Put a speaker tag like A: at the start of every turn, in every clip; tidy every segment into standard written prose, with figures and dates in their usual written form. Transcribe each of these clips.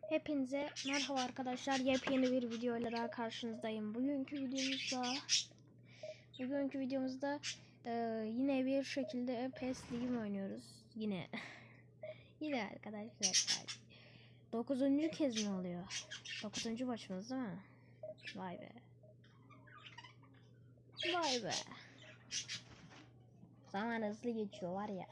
A: Hepinize merhaba arkadaşlar. Yepyeni bir video ile daha karşınızdayım. Bugünkü videomuzda yine bir şekilde PES Ligi oynuyoruz. Yine yine arkadaşlar. 9. kez mi oluyor? 9. maçımız değil mi? Vay be. Vay be. Zaman hızlı geçiyor var ya.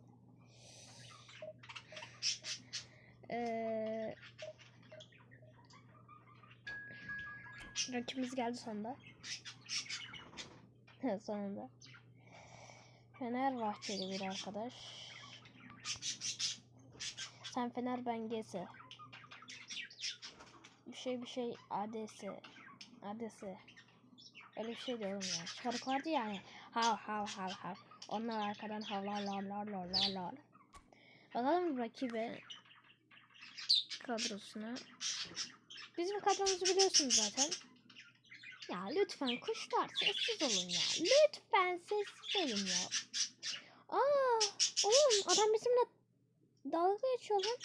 A: Rakibimiz geldi sonunda. Sonunda. Fenerbahçeli bir arkadaş. Sen Fener, ben GS. Bir şey ADS. Öyle bir şey diyorum ya. Şarkı vardı yani. Hav. Onlar arkadan havlar. Bakalım rakibe kadrosuna. Bizim kadromuzu biliyorsunuz zaten. Ya lütfen kuşlar sessiz olun ya. Lütfen sessiz olun ya. Oğlum adam bizimle dalga geçiyor lan.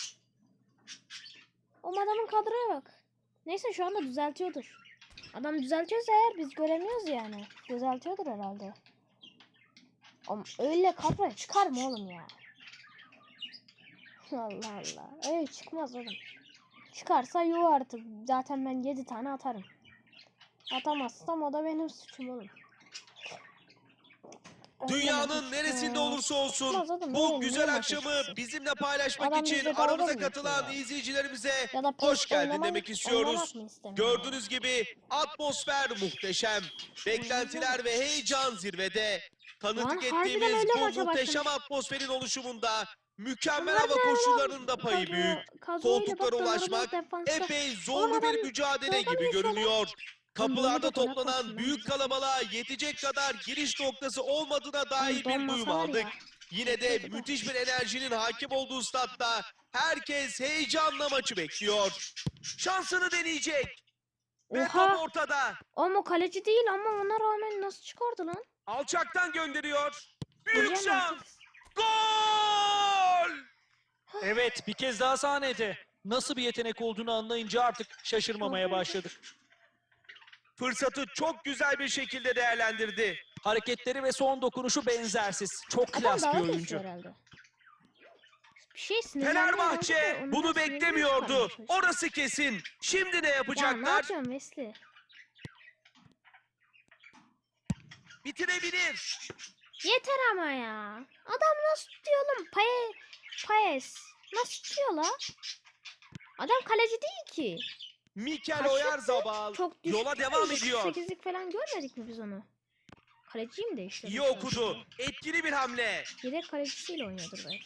A: O adamın kadroya bak. Neyse şu anda düzeltiyordur. Adam düzeltiyorsa eğer biz göremiyoruz yani. Düzeltiyordur herhalde. Ama öyle kadroya çıkar mı oğlum ya? Allah. Öyle çıkmaz oğlum. Çıkarsa yuh artık. Zaten ben 7 tane atarım. Atamazsam o da benim suçum oğlum.
B: Dünyanın neresinde olursa olsun bu güzel akşamı bizimle paylaşmak için aramıza katılan izleyicilerimize hoş geldin demek istiyoruz. Gördüğünüz gibi atmosfer muhteşem. Beklentiler ve heyecan zirvede. Tanıklık ettiğimiz bu muhteşem atmosferin oluşumunda mükemmel hava koşullarının da payı büyük. Koltuklara ulaşmak epey zorlu bir mücadele gibi görünüyor. Kapılarda toplanan büyük kalabalığa yetecek kadar giriş noktası olmadığına dair bir duyum aldık. Yine de müthiş bir enerjinin hakim olduğu statta herkes heyecanla maçı bekliyor. Şansını deneyecek. Ve top ortada.
A: Ama kaleci değil ama ona rağmen nasıl çıkardı lan?
B: Alçaktan gönderiyor. Büyük şans. Gol!
C: Evet, bir kez daha sahnede. Nasıl bir yetenek olduğunu anlayınca artık şaşırmamaya başladık.
B: Fırsatı çok güzel bir şekilde değerlendirdi.
C: Hareketleri ve son dokunuşu benzersiz. Çok klas bir oyuncu.
B: Fenerbahçe bunu beklemiyordu. Orası kesin. Şimdi ne yapacaklar?
A: Ya ne yapıyorsun Wesley?
B: Bitirebilir.
A: Yeter ama ya. Adam nasıl tutuyor oğlum? Paes. Nasıl tutuyor la? Adam kaleci değil ki.
B: Mikel Oyarzabal yola devam ediyor.
A: 8'lik falan görmedik mi biz onu? Kaleciyi mi değiştirdi?
B: İyi okudu. Etkili bir hamle.
A: Yedek kalecisiyle oynuyordur belki.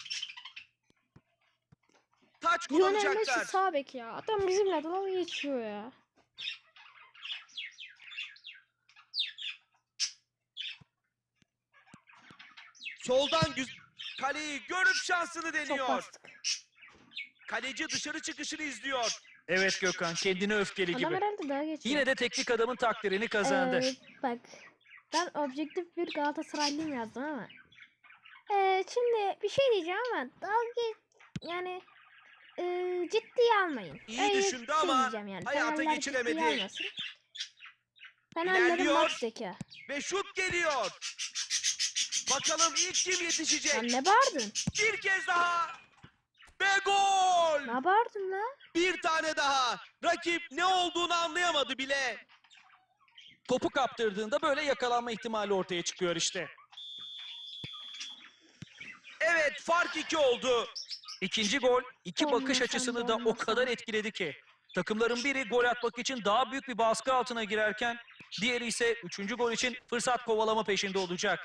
B: Taç
A: Lionel Messi
B: kullanacaklar.
A: sağ bek ya. Adam bizimle dalga geçiyor ya.
B: Soldan kaleyi görüp şansını
A: Çok
B: deniyor.
A: bastık.
B: Kaleci dışarı çıkışını izliyor.
C: Evet Gökhan, kendine öfkeli
A: Adam
C: gibi.
A: herhalde dalga geçiyor.
C: Yine de teknik adamın takdirini kazandı.
A: Bak. Ben objektif bir Galatasaraylıyım yazdım ama. Şimdi bir şey diyeceğim ama yani ciddiye almayın.
B: İyi düşündü ama
A: yani.
B: hayata
A: Fenerler
B: geçiremedi.
A: ciddiye almasın. Fenerlerin
B: İlerliyor.
A: maç zeka.
B: Ve şut geliyor. Bakalım ilk kim yetişecek?
A: Lan ne bağırdın?
B: Bir kez daha. Ve gol.
A: Ne bağırdın la?
B: Bir tane daha. Rakip ne olduğunu anlayamadı bile.
C: Topu kaptırdığında böyle yakalanma ihtimali ortaya çıkıyor işte.
B: Evet, fark 2 oldu.
C: İkinci gol, iki
A: Olmasa
C: bakış açısını da o kadar etkiledi ki. Takımların biri gol atmak için daha büyük bir baskı altına girerken, diğeri ise üçüncü gol için fırsat kovalama peşinde olacak.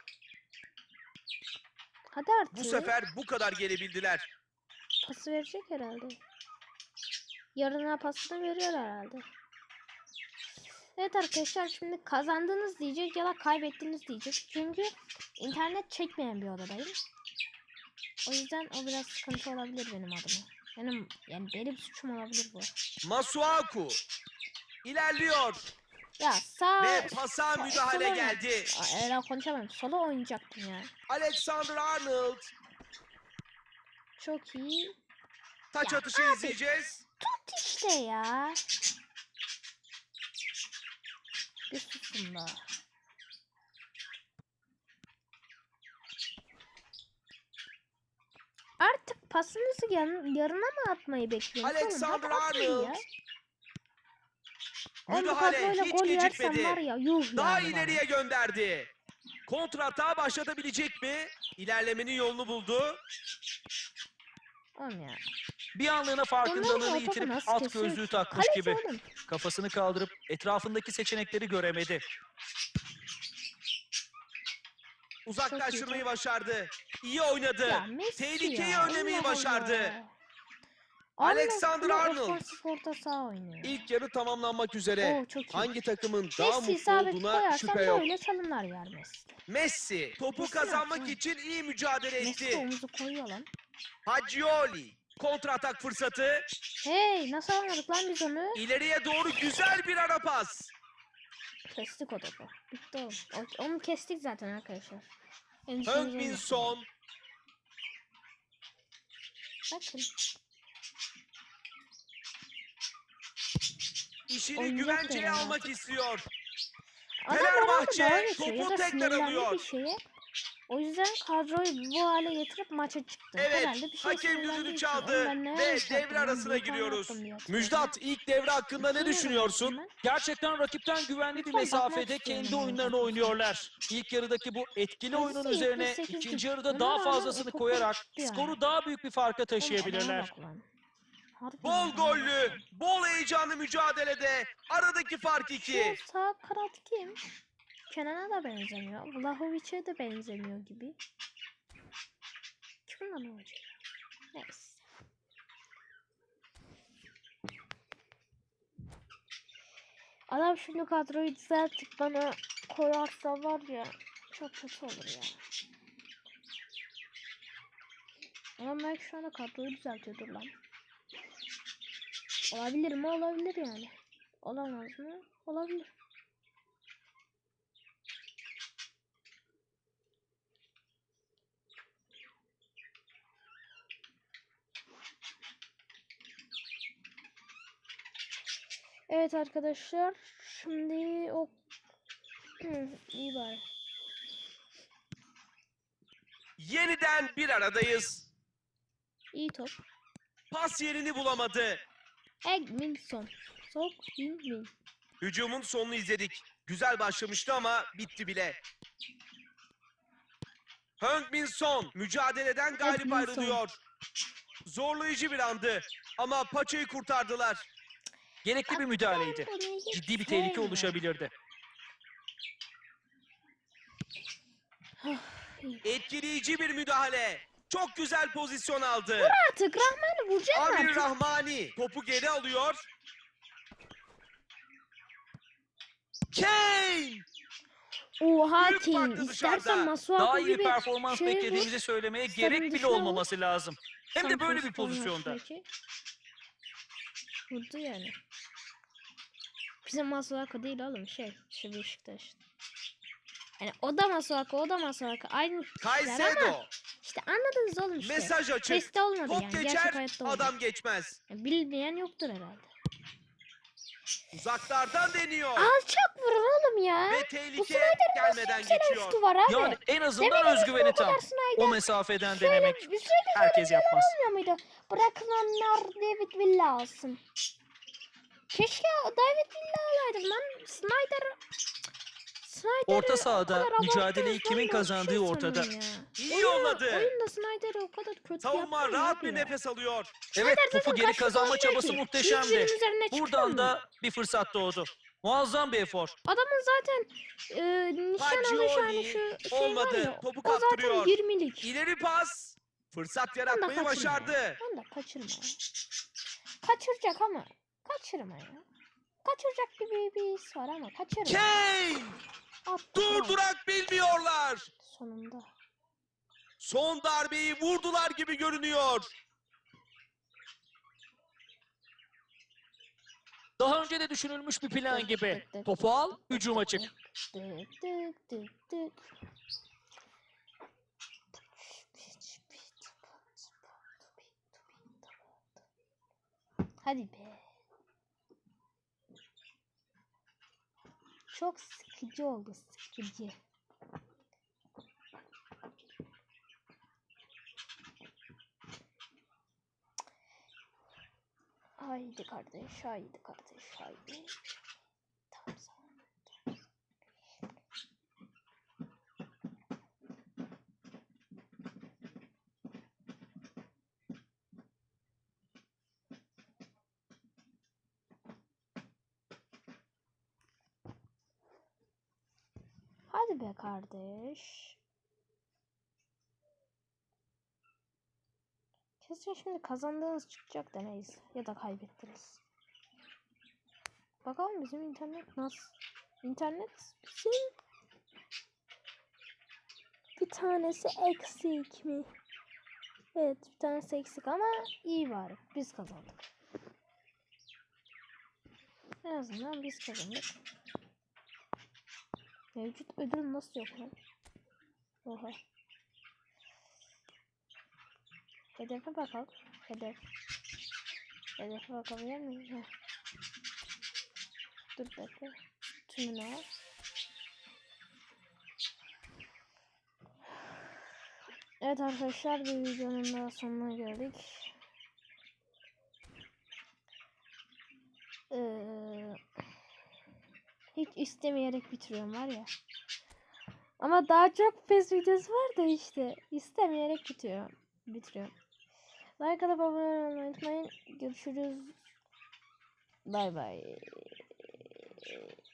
A: Hadi artık.
B: Bu sefer bu kadar gelebildiler.
A: Pası verecek herhalde. Yarına pasını veriyor herhalde. Evet arkadaşlar, şimdi kazandınız diyecek ya da kaybettiniz diyecek. Çünkü internet çekmeyen bir odadayım. O yüzden o biraz sıkıntı olabilir benim adıma. Benim suçum olabilir bu.
B: Masuaku ilerliyor.
A: Ya sağ
B: Ve pasa müdahale geldi.
A: Öyle konuşamam. Sola oynayacaktım ya.
B: Alexander Arnold.
A: Çok iyi.
B: Taç
A: Ya
B: atışı
A: abi,
B: izleyeceğiz.
A: At işte ya. Bir susun da. Artık pasınızı yarına mı atmayı bekliyorsunuz?
B: Alexander
A: Hadi atın
B: Arnold.
A: ya. Oğlum bu
B: Müdahale
A: kadroyla
B: hiç
A: gol yersem
B: gecikmedi.
A: var ya yuh
B: Daha
A: yani
B: ileriye gönderdi. Kontratağı başlatabilecek mi? İlerlemenin yolunu buldu.
A: bana. Oğlum ya.
C: Bir anlığına
A: Onların
C: farkındalığını
A: o topu
C: yitirip
A: nasıl
C: at
A: kesiyor
C: gözlüğü
A: ki?
C: takmış
A: Kaleci
C: gibi.
A: oğlum.
C: Kafasını kaldırıp etrafındaki seçenekleri göremedi.
B: Uzaklaştırmayı başardı. İyi oynadı.
A: Ya Messi
B: Tehlikeyi
A: ya.
B: önlemeyi
A: Allah
B: başardı.
A: Allah.
B: Alexander Arnold.
A: Ofansif orta saha oynuyor.
B: İlk yarı tamamlanmak üzere.
A: Oo, çok iyi.
B: Hangi takımın daha
A: Messi
B: mutlu
A: isabet
B: olduğuna
A: koyarsan
B: şüphe yok.
A: böyle çalımlar yer Messi.
B: Messi topu
A: Messi
B: kazanmak
A: yaptı?
B: için iyi mücadele
A: Messi de
B: etti.
A: omuzu koyuyor lan.
B: Hacıoli kontratak fırsatı.
A: Hey nasıl anladık lan biz onu?
B: İleriye doğru güzel bir ara pas.
A: Kestik o topu. Bitti oğlum. Onu kestik zaten arkadaşlar.
B: Heung-min Son.
A: Bakın.
B: İşini
A: Oyuncak
B: güvenceye
A: veren
B: almak
A: artık.
B: istiyor.
A: Adam
B: Fenerbahçe
A: herhalde dalga geçiyor
B: topu
A: ya da
B: tekrar
A: sinirlendi
B: alıyor.
A: bir şeye. O yüzden kadroyu bu hale getirip maça çıktı.
B: Evet,
A: Herhalde bir şey
B: hakem
A: sinirlendiği
B: düdüğünü
A: için.
B: çaldı
A: Oğlum ben ne
B: ve
A: yanlış
B: devre
A: yaptım lan?
B: arasına
A: Bir tane
B: giriyoruz.
A: yaptım diye hatırlıyorum.
B: Müjdat ilk devre hakkında ne
A: İki mi
B: düşünüyorsun?
A: yaptım ben?
C: Gerçekten rakipten güvenli bir
A: Lütfen
C: mesafede
A: bakmak istiyorum
C: kendi
A: ben
C: oyunlarını
A: zaten.
C: oynuyorlar. İlk yarıdaki bu etkili oyunun
A: Hızlı
C: üzerine
A: 78'lik.
C: ikinci yarıda
A: Ona
C: daha
A: rağmen
C: fazlasını
A: o topu
C: koyarak
A: tuttu yani.
C: skoru daha büyük bir farka
A: Oğlum adama
C: taşıyabilirler.
A: bak lan. Harbiden
B: Bol
A: adama
B: gollü,
A: bak.
B: bol heyecanlı mücadelede aradaki fark 2.
A: Şu sağ kanat kim? Kenan'a da benzemiyor. Vlahovic'e de benzemiyor gibi. Kim lan o hoca? Neyse. Adam şimdi kadroyu düzeltip bana koyarsa var ya çok kötü olur ya. Ama belki şu anda kadroyu düzeltiyordur lan. Olabilir mi? Olabilir yani. Olamaz mı? Olabilir. Evet arkadaşlar. Şimdi o iyi bari.
B: Yeniden bir aradayız.
A: İyi top.
B: Pas yerini bulamadı.
A: Egminson. Sok Min.
B: Hücumun sonunu izledik. Güzel başlamıştı ama bitti bile. Heung-min Son mücadeleden galip
A: Heung-min Son.
B: ayrılıyor. Zorlayıcı bir andı ama paçayı kurtardılar.
C: Gerekli bir müdahaleydi. Ciddi bir tehlike oluşabilirdi.
B: Etkileyici bir müdahale. Çok güzel pozisyon aldı.
A: Artık Rahman'ı vuracak mı
B: Amir
A: artık?
B: Rahmani topu geri alıyor. Kane!
A: Oha
B: Büyük
A: Kane.
B: farklı
A: İstersen
B: dışarıda.
C: Daha
A: Masuaku
C: iyi bir
A: gibi
C: performans
A: şey
C: beklediğimizi
A: vur.
C: söylemeye
A: Stadın
C: gerek bile
A: dışına vur.
C: olmaması lazım. Hem de böyle bir
A: Santrafor
C: pozisyonda.
A: maçındaki. Vurdu yani. Bizim Masuaku değil oğlum şu Beşiktaş. Yani o da Masuaku aynı kişiler ama
B: Caicedo.
A: işte anladınız oğlum işte.
B: Mesaj açık.
A: Testi olmadı
B: Top
A: yani.
B: geçer,
A: Gerçek hayatta olmadı.
B: adam geçmez.
A: Yani bilmeyen yoktur herhalde.
B: Uzaklardan deniyor.
A: Alçak vurun oğlum ya.
B: Ve
A: Bu
B: tehlike
A: Snyder'ın
B: gelmeden
A: nasıl
B: geçiyor.
A: üstü var abi?
C: Yani en azından
A: Demediniz mi
C: özgüveni
A: o kadar
C: tam.
A: Snyder?
C: O mesafeden
A: Şöyle
C: denemek
A: bir
C: herkes yapmaz.
A: olmuyor muydu? Bırakın onlar David Villa alsın. Keşke David Villa alaydım lan. Snyder'ı
C: Orta sahada
A: o kadar
C: mücadeleyi
A: abarttınız
C: kimin
A: lan, ben
C: kazandığı
A: şey
C: ortada.
A: sandım ya.
B: İyi yolladı.
A: Oyunda Snyder'ı o kadar kötü
B: Savunma
A: yapmayın
B: rahat
A: abi
B: bir
A: ya.
B: nefes alıyor.
C: Evet,
A: Snyder
C: topu
A: zaten
C: geri
A: kaçtı
C: kazanma
A: oynuyor
C: çabası
A: ki.
C: muhteşemdi.
A: Çizginin üzerine çıkıyor
C: Buradan
A: mu?
C: da bir fırsat doğdu. Muazzam bir efor.
A: Adamın zaten nişan alış hani şu şey
B: olmadı.
A: var ya.
B: Topu
A: O zaten
B: kaptırıyor.
A: 20'lik.
B: İleri pas. Fırsat
A: Onu da
B: yaratmayı
A: kaçırma
B: başardı.
A: ya. Onu da kaçırma ya. Kaçıracak ama. Kaçırma ya. Kaçıracak gibi bir his var ama kaçırma.
B: Kane!
A: Attı,
B: Durdurak bilmiyorlar.
A: sonunda.
B: Son darbeyi vurdular gibi görünüyor.
C: Daha önce de düşünülmüş bir plan gibi. Topu al, hücuma çık.
A: Tık tık tık tık. Hadi be. Çok sıkıcı oldu, sıkıcı. Haydi kardeş, haydi kardeş, haydi. Tamam, tamam. Hadi be kardeş. Kesin şimdi kazandığınız çıkacak da neyse. Ya da kaybettiniz. Bakalım bizim internet nasıl? İnternet bizim bir tanesi eksik mi? Evet, bir tanesi eksik ama iyi bari. Biz kazandık. En azından biz kazandık. Mevcut ödül nasıl yok lan? Oha. Hedefe bakalım. Hedefe bakabilir miyim? Heh. Dur bekle. Tümünü al. Evet arkadaşlar, bir videonun daha sonuna geldik. Hiç istemeyerek bitiriyorum var ya. Ama daha çok PES videosu var da işte. İstemeyerek bitiriyorum. Like atıp abone olmayı unutmayın. Görüşürüz. Bay bay.